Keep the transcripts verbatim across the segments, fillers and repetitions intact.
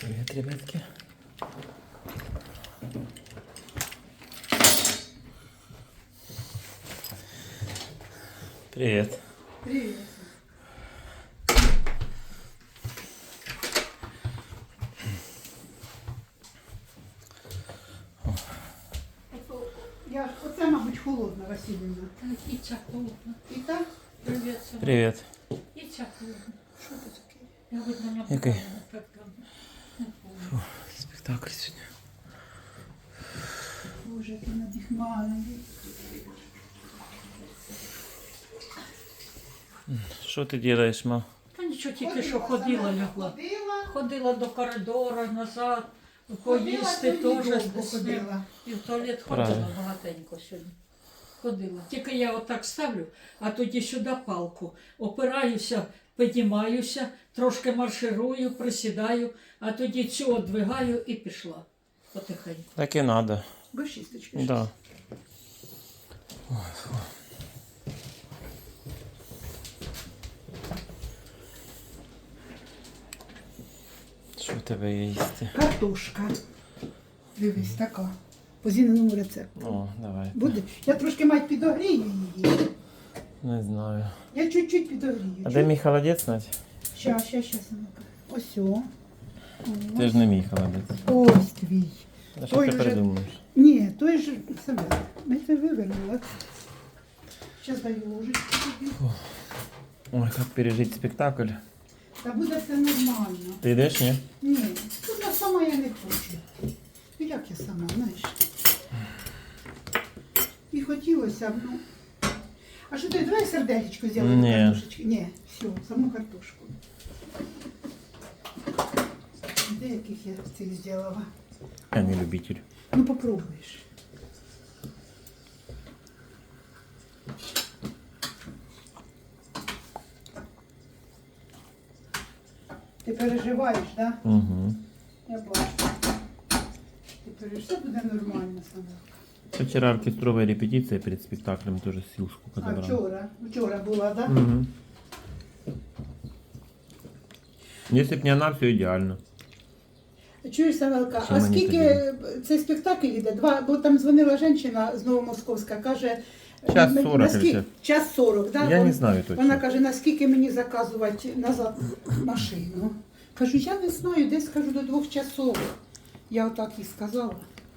Привет, ребятки. Привет. Привет. Я, оце, мабуть, холодна, Василівна. І ця холодна. І так? Привіт, Сама. Привет. І ця холодна. Що це таке? Я видно на Який? Не помню. Спектакль сегодня. Боже, який надихмалений. Что ты делаешь, мам? Та нічого, тільки що ходила, лягла. Ходила. Ходила до коридора, назад, Ходила, поїсти сьогодні теж довго ходила. ходила. І в туалет ходила Правильно. багатенько сьогодні. Ходила. Тільки я отак ставлю, а тоді сюди палку. Опираюся, піднімаюся, трошки марширую, присідаю, а тоді цю одвигаю і пішла. Потихеньку. Так и надо. Без шісточки. Да. Що в тебе є їсти? Картошка. Дивись, така. По зіненому рецепту. О, давай. Буде? Я трошки мать підогрію її. Не знаю. Я чуть-чуть підогрію. А де мій холодець, Надь? Щас, щас, щас. Ось о. Ти ж не мій холодець. Ось твій. А що Ой, ти вже- придумаєш? Ні, той же себе. Ми це вивернули. Зараз даю ложечку тобі. Ой, як пережити спектакль. Та буде все нормально. Ти йдеш, ні? Ні, тут я сама я не хочу. Ну як я сама, знаєш? І хотілося б, ну. А що ти, давай сердечко зробимо Ні. картошечки? Ні, все, саму картошку. Де яких я цих зробила? Я не любитель. Ну попробуєш. Ти переживаєш, так? Да? Угу. Я бачу. Ти переживаєш, все буде нормально саме. Вчера оркестровая репетиция перед спектаклем, тоже сил сколько А добрал. вчора? Вчора була, так? Да? Угу. Если б не она, все идеально. Чуєш, Савелка, Чим а мені скільки цей спектакль йде? Два, бо там дзвонила жінка з Новомосковська, каже... Час ми- сорок наскільки- или Час сорок, да? Я Вон- не знаю точно. Вона каже, наскільки мені заказувати назад машину? Кажу, я не знаю, десь, кажу, до двох часов. Я отак і сказала.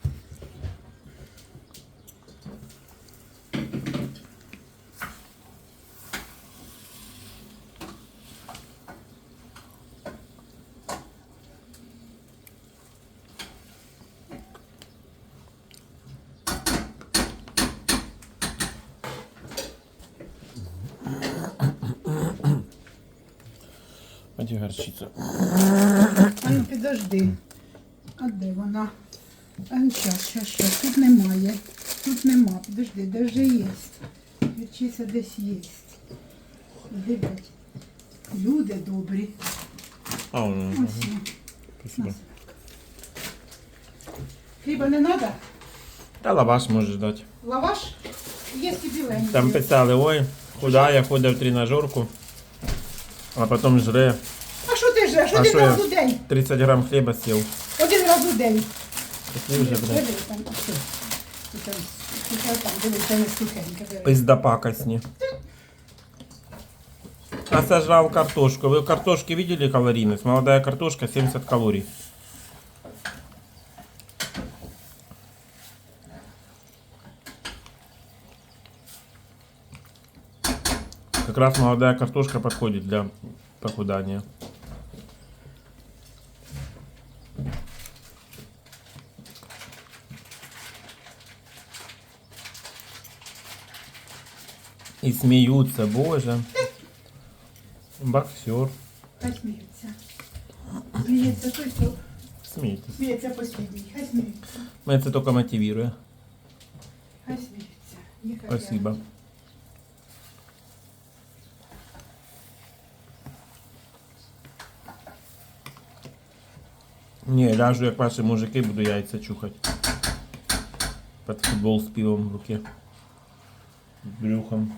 А где горчица? А ну підожди. А де вона? А ну щас, щас, щас. Тут немає. Тут нема. Підожди, де вже є? Вірчиця десь є. Дивись. Люди добрі. А, он, Ось. є. спасибо. Хліба не треба? Да лаваш можешь дать. Лаваш? Є біленький. Там писали, ой, худая, ходить в тренажерку, а потом жре. А що ти жреш? А Один що раз я? у день. тридцать грамм хлеба съел. Один раз у день. Такие уже, блядь, Диви, там, а що? Тут там, тут там, дивись, це не сухеньке. диви. пизда пакостни. А сожрал картошку. Вы картошки видели калорийность? Молодая картошка семьдесят калорий. Как раз молодая картошка подходит для похудания. И смеются, боже. Боксер. Хай сміється. Сміється той, хто Смейтесь. сміється послідній. Хай сміється. Мы это только мотивируя. Хай сміється. Нехай Спасибо. Не, ляжу, як ваші мужики, буду яйця чухати. Под футбол з пивом в руке. З брюхом.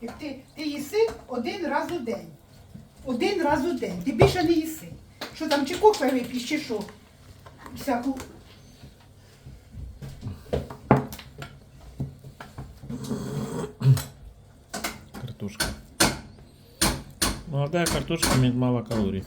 Як ти, ти їси один раз у день. Один раз у день. Ти більше не їси. Що там, чи кофе вип'єш, чи що? Всяку. Картошка. Молодая картошка имеет мало калорий.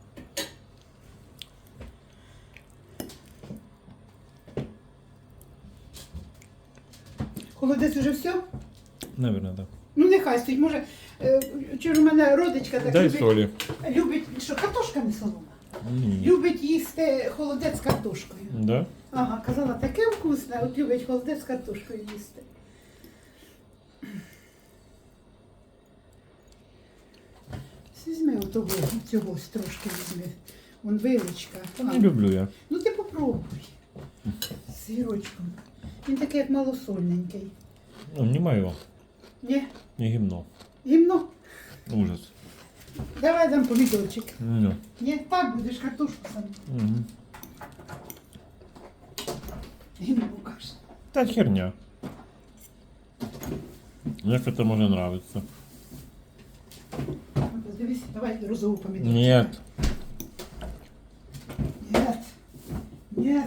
Холодець уже все? Наверное, да. Ну нехай стоїть. Може, е, чи ж у мене родичка так Дай любить, соли. любить, що картошка не солома. М, Любить їсти холодець з картошкою. Да? Ага, казала, таке вкусне, от любить холодець з картошкою їсти. Візьми отого, цього трошки візьми. Вон вилочка. Не А, люблю я. ну ти попробуй. З гірочком. Він такий, як малосольненький. Ну, не мое. Ні? Не гимно. Гімно? Ужас. Давай дам помідорчик. Ну. Ні, так будеш картошку сам. Мгм. Гімно каже. Та херня. Як это може нравиться? Дивись, давай розову помідорчик. Нет. Нет. Нет.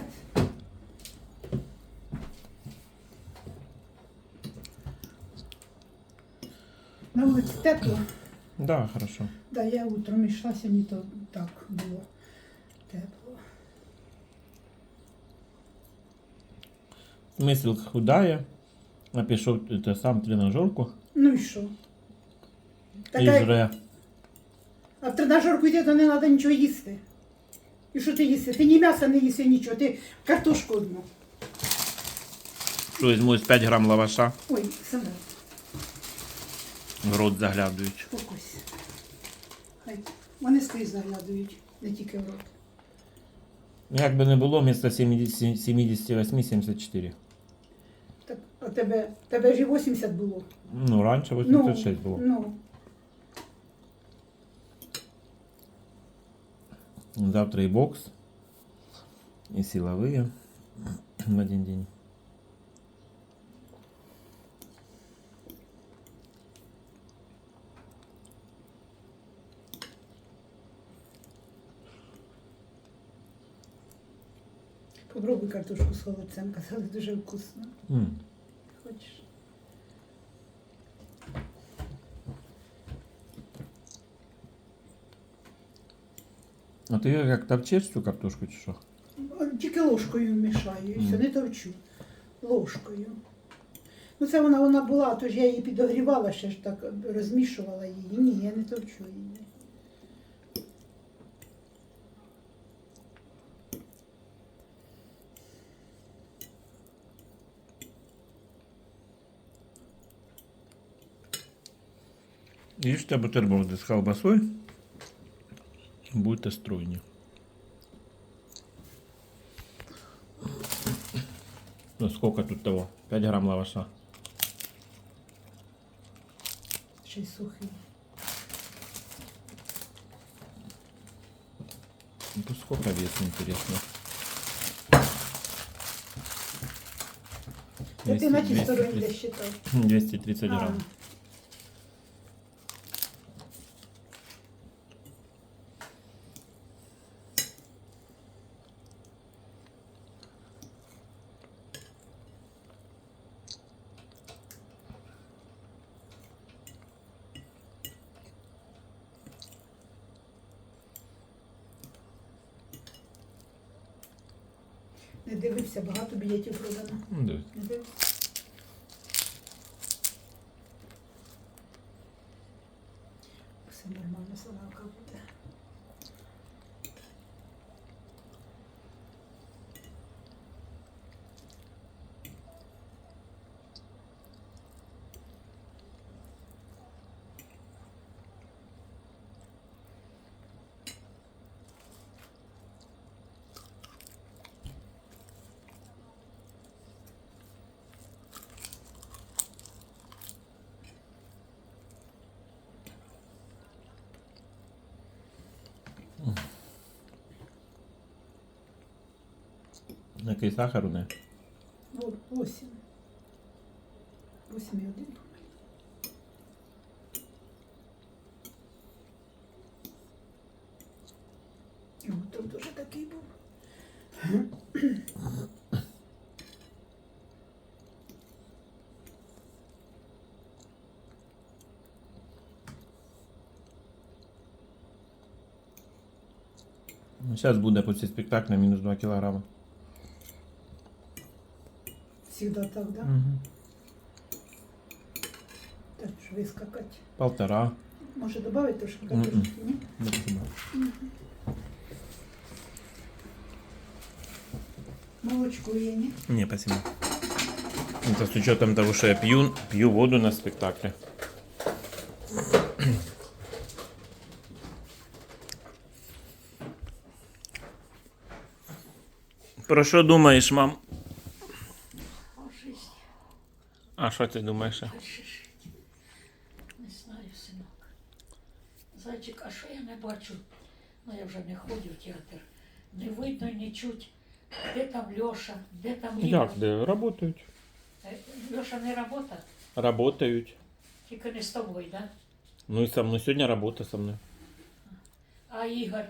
На вулиці тепло. Да, хорошо. Да, я утром йшла, сьогодні то так було тепло. Смисл худає. А пішов це сам в тренажерку Ну і що? і Така, жре. а в тренажерку йти, то не треба нічого їсти. І що ти їси? Ти ні м'яса не їси, нічого, ти картошку одну. Що візьму з п'ять грам лаваша, Ой, саме, в рот заглядають. фокус. Хай. Вони скрізь заглядують, не тільки в рот. Як би не було, вместо сімдесят сімдесят вісім сімдесят чотири. Так, а тебе, тебе ж і вісімдесят було. Ну, раніше вісімдесят шість було. Ну, Завтра и бокс, и силовые в один день. попробуй картошку з холодцем, казали, дуже вкусно. М. Хочеш? А ти як товчеш цю картошку чи що? Тільки ложкою мішаю, і все, Мгм. не товчу. Ложкою. Ну це вона, вона була, тож я її підогрівала, ще ж так розмішувала її. Ні, я не товчу її. Їжте бутерброди з колбасою, будете стройні. Ну сколько тут того? п'ять грам лаваша. Ще й сухий. Ну, то сколько вес, интересно? Та ти на ті двести стороні тридцать де считав. двести тридцать грамм. Не дивився, багато білетів продано. Ну, да. Не дивився. Все нормально, солянка буде. Який сахар у неї? Вот, восемь. Восемь и один. О, тут дуже такий був. Ну, зараз буде після спектакля мінус два кілограми. Всегда так, да? Угу. Так ж вискакати. Полтора. Може додати трошки Мгм. картошки, ні? Не знаю. Молочко є, ні? Не, спасибо. Это с учетом того, что я пью, пью воду на спектакле. Про що думаєш, мам? О, жизнь. А що ти думаєш? Дальше жити. Не знаю, синок. Зайчик, а що я не бачу? Ну я вже не ходжу в театр. Не видно, не чуть. Де там Льоша, де там Ігор? Як, де? Работають. Е, Льоша не робота, Работають. тільки не з тобою, да? Ну і со мною. Сьогодні робота со мною. А Ігор?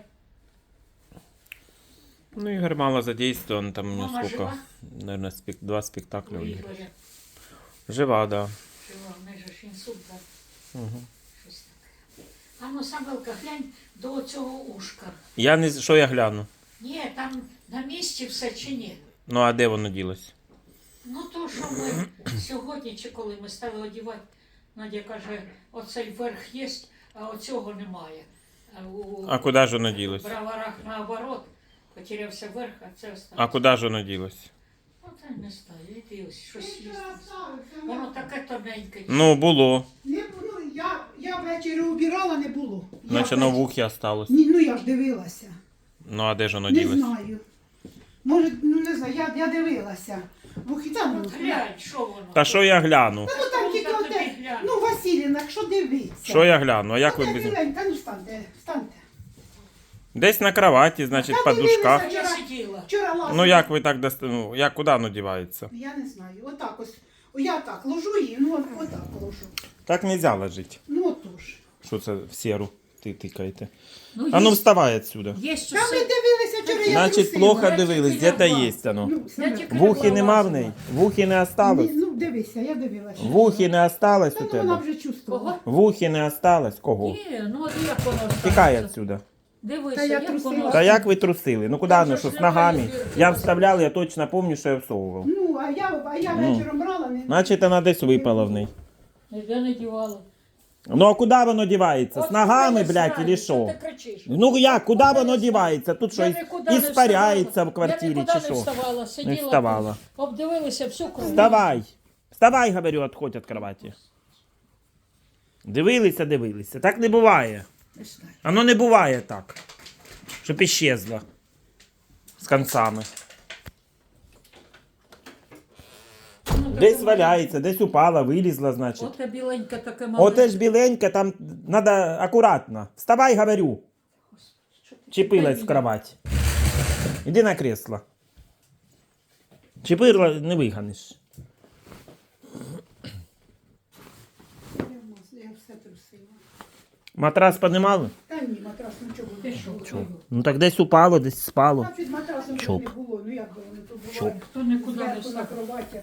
Ну, Игорь мало задействован, там у него Мама сколько? жива? Наверное, спек... два У спектакля у Игоря. Ігоря. Жива, да. Жива, в неї же ж інсульт, да? Угу. Щось таке. А ну, Самвелка, глянь до цього ушка. Я не... Що я гляну? Ні, там на місці все чи ні? Ну, а де воно ділось? Ну то, що ми сьогодні, чи коли ми стали одягати, Надя каже, оцей верх є, а оцього немає. А, у А куди ж воно ділось? броварах наоборот, потерявся верх, а це А осталось. куди ж воно ділось? Ну, та не знаю, іди ось щось є. Воно таке тоненьке. Ну, було. Не, ну, я, я ввечері убирала, не було. Я Значить, воно в ввечері- ухі осталось. Ні, ну я ж дивилася. Ну, а де ж воно Не ділось? знаю. Може, ну не знаю, я, я дивилася. Вухи там. От глянь, що воно. Та що я гляну? Ну там Ну, тільки та оте. тобі глянь. Ну, Василіна, якщо дивиться. Що я гляну? А як ви Та без... біленька, ну встаньте, встаньте. Десь на кроваті, значить, Та в подушках. А я сиділа. Вчора лазила. Ну, як ви так доста... Ну, як, куди воно дівається? Я не знаю. Отак ось. О, я так ложу її, ну от- отак ложу. Так нельзя ложити. Ну отож. Що це в серу ти тикаєте? Ну, А ну є- вставай отсюда. Є що Там ми все. дивилися вчора, я Значить, трусила. плохо я дивились, тільки де-то лягла. є воно. Ну, Я Семен. тільки В ухі нема в лазила. неї? В ухі не Ні, осталось? ну дивися, я дивилася. В ухі не осталось Та у ну вона тебе? вже чувствувала. Кого? В ухі не осталось? Кого? Ні, ну от як воно Тікай ставиться? отсюда. Дивися, Та я як трусила. воно. Та як ви трусили? Ну куди Там воно, же що ж з ногами? немає Я дірки. вставляв, я точно пам'ятаю, що я всовував. Ну, а я, а я Ну. вечором брала, не... Значить, вона десь випала в неї. Ніде не дівала. Ну а куди воно дівається? З От ногами, я блядь, знаю, или що? Ти кричиш. Ну як, куди воно дівається? Тут що, Я іс- нікуди не іспаряється вставала. в квартирі Я нікуди чи не що? вставала, сиділа, Не вставала. обдивилися всю кров. Вставай. Вставай, говорю, отходь від кроваті. Дивилися, дивилися. Так не буває. Не знаю. Оно не буває так. Щоб іщезло. З концами. Ну, Десь таке валяється, десь упала, вилізла, значить. Оте біленьке таке маленьке. Оте ж біленьке, там надо акуратно. Вставай, говорю. Що ти Чепилась в таке? кровать. Іди на кресло. Чепила не виганеш. Я, в- я все трусила. Матрас піднімали? Та ні, матрас нічого Ти не що, було. чого? Ну так десь упало, десь спало. Та під матрасом Чоп. не було, ну як би вони тут Чоп. бувають. Хто нікуди не Зверху на встав. кроватях.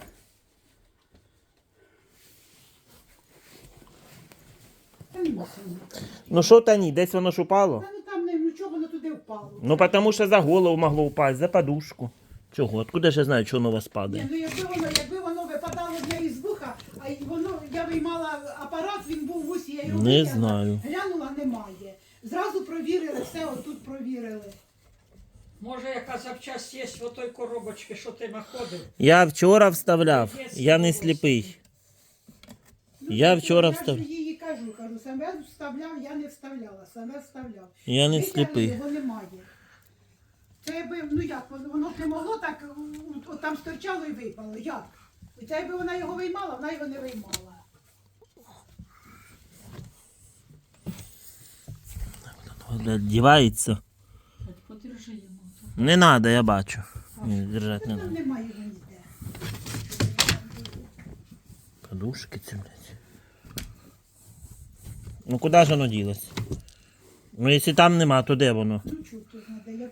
Та нема сина. Ну що та ні, десь воно ж упало? Та ну там не, нічого воно туди впало. Ну тому що за голову могло впасть, за подушку. Чого? Откуда ж я знаю, що воно у вас Ні, падає? ну якби воно, якби воно випадало в неї з вуха, а й воно, я виймала апарат, він був в усі, я його Не витягла, знаю. глянула, немає. Зразу провірили, все отут провірили. Може, яка запчасть є в той коробочці, що ти знаходив? Я вчора вставляв, я не сліпий. Ну, Я то вчора я встав- ж їй кажу, кажу, саме вставляв, я не вставляла, саме вставляв. Я не Витягли, сліпий. Його немає. Це якби, ну як, воно воно ж не могло так, от, от там стирчало і випало. Як? І це якби вона його виймала, вона його не виймала. Дівається. Подержи йому. Не треба, я бачу. Ні, держати не Там треба. немає його ніде. Подушки ці, блядь. Ну куди ж воно ділось? Ну якщо там нема, то де воно? Ну чого тут знайде, я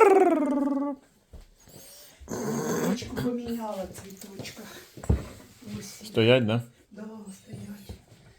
Цвіточку поміняла в цвіточках. Ось. Стоять, да? Да, стоять.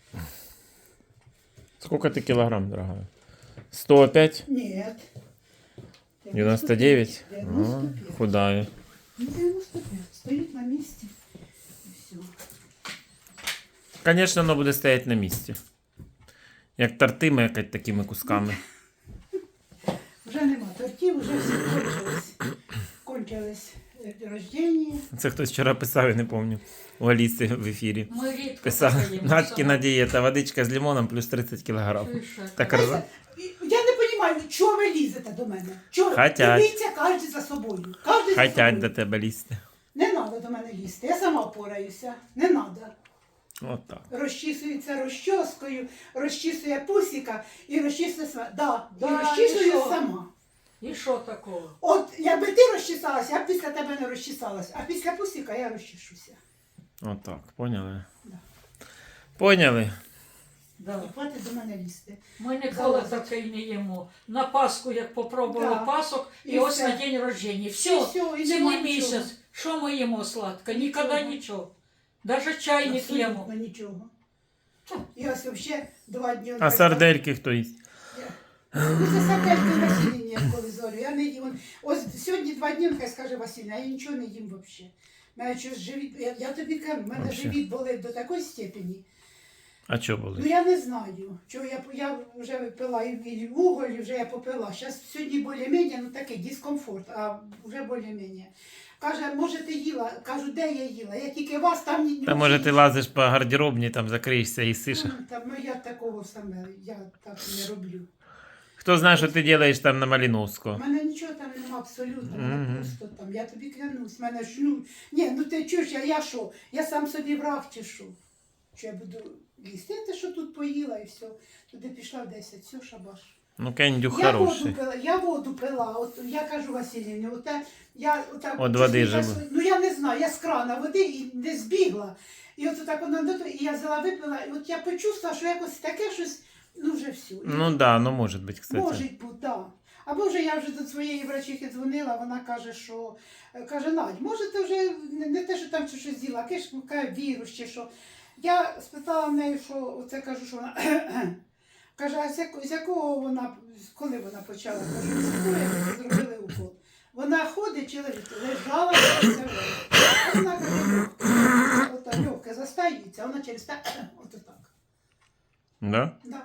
Сколько ты килограмм, дорогая? сто пять? Нет. девяносто девять? девяносто А, пять. худая. Ну, девяносто пять. Стоит на месте. И все. Конечно, оно буде стоять на місці. Як торти мекать такими кусками. Вже нема тортів, вже всі кончились. Кончились е, рождення. Це хтось вчора писав, я не пам'ятаю. У Аліси в ефірі. Ми рідко Писав, таке їмо Надькіна саме. дієта, водичка з лимоном плюс тридцять кілограм. Ти що? Так ржа. Я не розумію, чого ви лізете до мене? Чого? Хотять. Дивіться кожен за собою. Кожен за Хотять собою. до тебе лізти. Не треба до мене лізти, я сама впораюся. Не треба. Отак. Розчісується розчоскою, розчісує пусіка і розчісує сама. Да, Да, і розчісую і що? сама. І що такого? От якби ти розчесалася, я б після тебе не розчесалася, а після пусіка я розчешуся. Отак, поняли? Да. Поняли? Да. І хватить до мене лізти. Ми ніколи Залазить. таке не їмо. На Пасху, як попробували Да. пасок, і, І ось все. на день рождення. І Все, все, і цілий нема місяць. нічого. Що ми їмо сладко? Ніколи Нічого. нічого. Навіть чай не п'ємо. Абсолютно нічого. Та. І ось взагалі два дні. А сардельки хто їсть? Ну, це сардельки Василіні, коли зорю. Я не їм. Ось сьогодні два дні, хай скаже Василіна, я нічого не їм взагалі. Мене щось живіт, я, я тобі кажу, в мене Вообще. живіт болить до такої степені. А чо Ну були? я не знаю, чого я, я вже пила і, і вуголь, і вже я попила. Зараз сьогодні більш-менш, ну такий дискомфорт, а вже більш-менш. Каже, може ти їла? Кажу, де я їла? Я тільки вас там ні. Та може ти лазиш по гардеробні, там закриєшся і сиш. Ну, Там, ну я такого саме, я так не роблю. Хто знає, що ти робиш там на У Маліновського? мене нічого там нема абсолютно, мене Мгм. просто там, я тобі клянусь, мене ж, ну, ні, ну ти чуєш, я, я що, я сам собі враг чи що? Що я буду їсти, я те, що тут поїла і все, туди пішла в десять, все, шабаш. Ну, кендюх Я воду хороший. пила, я воду пила, от я кажу Василівні, от те, я отак, От води чуть-чуть живу. раз- ну я не знаю, я з крана води і не збігла. І от так вона до того, і я взяла, випила, і от я почувствувала, що якось таке щось, ну вже все. Ну да, ну може бути, кстати. Може бути, так. Або вже я вже до своєї врачихи дзвонила, вона каже, що е, каже, Надь, може ти вже не, не те, що там чи щось з'їла, а ж каже, вірус чи що. Я спитала в неї, що оце кажу, що вона каже, а з, яко, з якого вона, коли вона почала? Кажу, з якого як зробили укол. Вона ходить чи лежить, лежала, все. А вона каже, ота легке застаюється, вона через те, от так. Да? Да.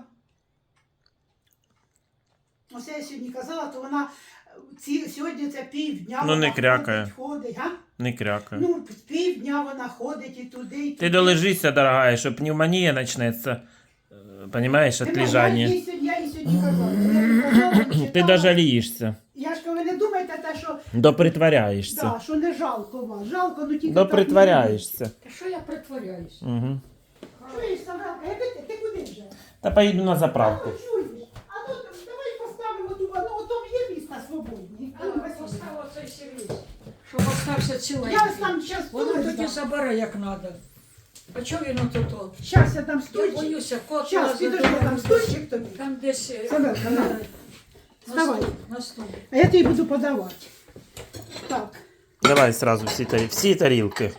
Оце я сьогодні казала, то вона ці, сьогодні це півдня Ну, не вона крякає. ходить, ходить, га? Не крякай. Ну, півдня вона ходить і туди, і туди. Ти долежися, дорогая, що пневмонія почнеться. э, Понимаешь, от Нема, Я лежання. їй сьогодні, я їй сьогодні казала. Я казала, Ти читала. даже жалієшся. Я ж кажу, ви не думайте те, що, Допритворяєшся. да, що не жалко вас. Жалко, ну тільки Допритворяєшся. Та що я притворяюсь? Угу. так не Чуєш, Самелка, я ти, ти куди вже? Та поїду на А заправку. ну, чуєш? А ну, давай поставимо ту, ну, ото є місце свободні. А ну, Василь. Постав оцей сервіс, щоб остався ціленький. Я ось там зараз Воно тоді стулик. забере як треба. А чого він отут? Зараз я там Я стульчик. боюся, кот Зараз, лазить підожди, до там мене. стульчик тобі. Там десь е, Самелка, на. на Вставай. стул, на стул. А я тобі буду подавати. Так. Давай сразу всі, тарі... всі тарілки.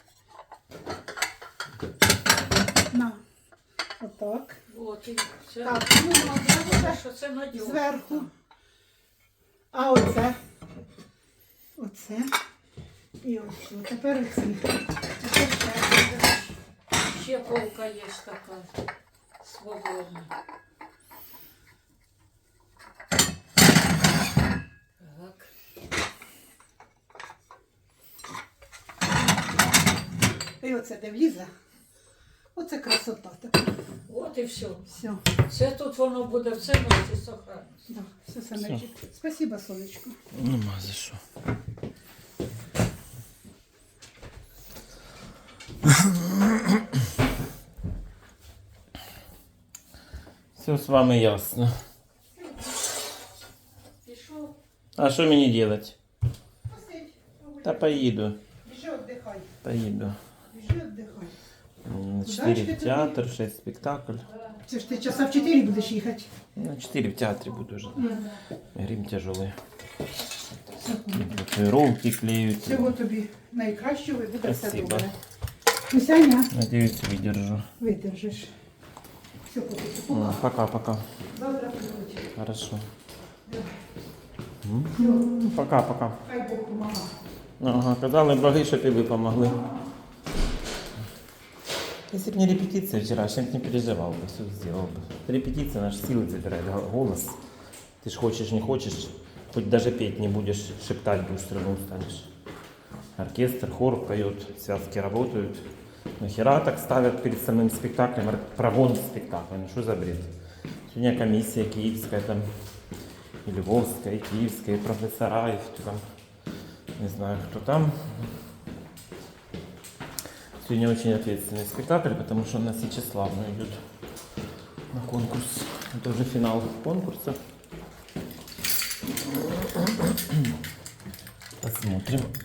На. Отак. От, і це, Так, ну, це, що це надіжно. зверху. А оце. Оце. І оце. Тепер оці. Тепер ще. Ще полка є така свободна. Так. І оце де влізе. Оце красота така. От і все. Все. Це тут воно буде в цінності сохранності. Да, все саме. Спасибо, сонечко. Нема за що. Все з вами ясно. Пішов. А що мені робити? Посидь. Та поїду. Біжи, віддихай. Поїду. Біжи, віддихай. На Куда чотири ж ти в театр, шесть спектакль. Це ж ти часа в чотири будеш їхати. На чотири в театрі буду вже. Грим тяжелый. Все, Татуировки клеют. всього тобі найкращого і буде все Спасибо. добре. Мисяня, Надеюсь, выдержу. видержиш. Все, поки Ну, Пока-пока. завтра прийдуть. Хорошо. М, Пока-пока. Хай Бог помагає. Ага, казали боги, щоб і ви помогли. Если бы не репетиция вчерашняя, я бы не переживал бы, все сделал бы. Репетиция наши силы забирает, го- голос. Ты ж хочешь, не хочешь, хоть даже петь не будешь, шептать будешь, все равно устанешь. Оркестр, хор поет, связки работают. Нахера так ставят перед самым спектаклем, ор- прогон спектакля, ну что за бред? Сегодня комиссия киевская там и Львовская, и Киевская, и профессора, и кто там, не знаю, кто там. Сегодня очень ответственный спектакль, потому что у нас Сечеславна идет на конкурс. Это уже финал конкурса. Посмотрим.